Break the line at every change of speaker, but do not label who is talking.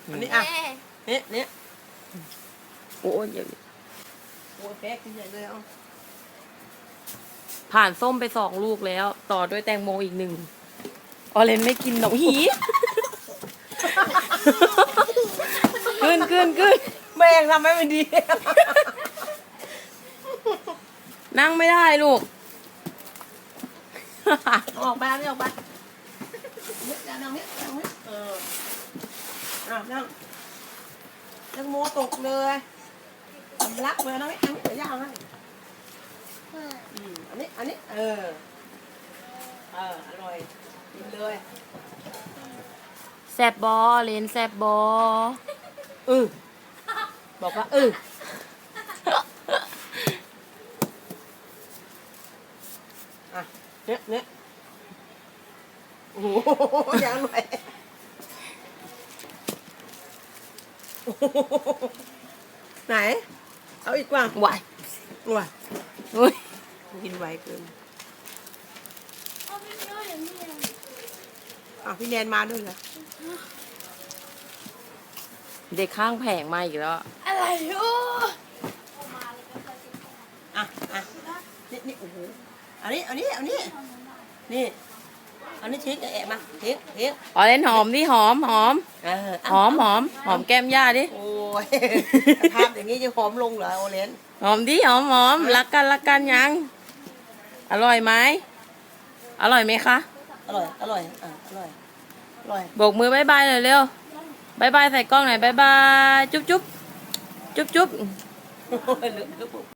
อันนี้อ่ะเนี่ย
โอ้ยเดี๋ยว
โอ้ยแป๊กกินใหญ่เลยเอา
ผ่านส้มไป2 ลูกแล้ว ต่อด้วยแตงโมอีก1ออเรนไม่กินหนองหีขึ้น
แม่งทำให้มันดี
นั่งไม่ได้ลูก
ออกไปนี่ออกไปนี่นั่งนี่นั่งนั่งโมตกเลยสำลักเลยนะไม่อันนี้เดี๋ยวย่างให้อันนี้อร่อยกินเลย
แซบบอเลนแซบบอ
บอกว่าอ่ะเนี่ยโอ้โหยังหน่อยไหนเอาอีกว่า
ไหว
ว่า
อุ้ย
กินไวเกินพี่แนนมาด้วยเหรอ
เด็กข้างแผงมาอีกแล้ว
อะไรโอ้
อ่ะนี่โอ้โหอันนี้นี่อันนี้ทิ้งแอะมาทิ้ง
ออเรนหอมดิหอมหอมแก้มย่าดิ
โอ้ยภาพอย่างนี้จะหอมลงเหรอโอเลน
หอมดิหอมรักกันยัง อร่อยไหมอร่อยไหมคะ
อร่อยอร่อย
โบกมือบายบายหน่อยเร็วบายบายใส่กล้องหน่อยบายบายจุ๊บ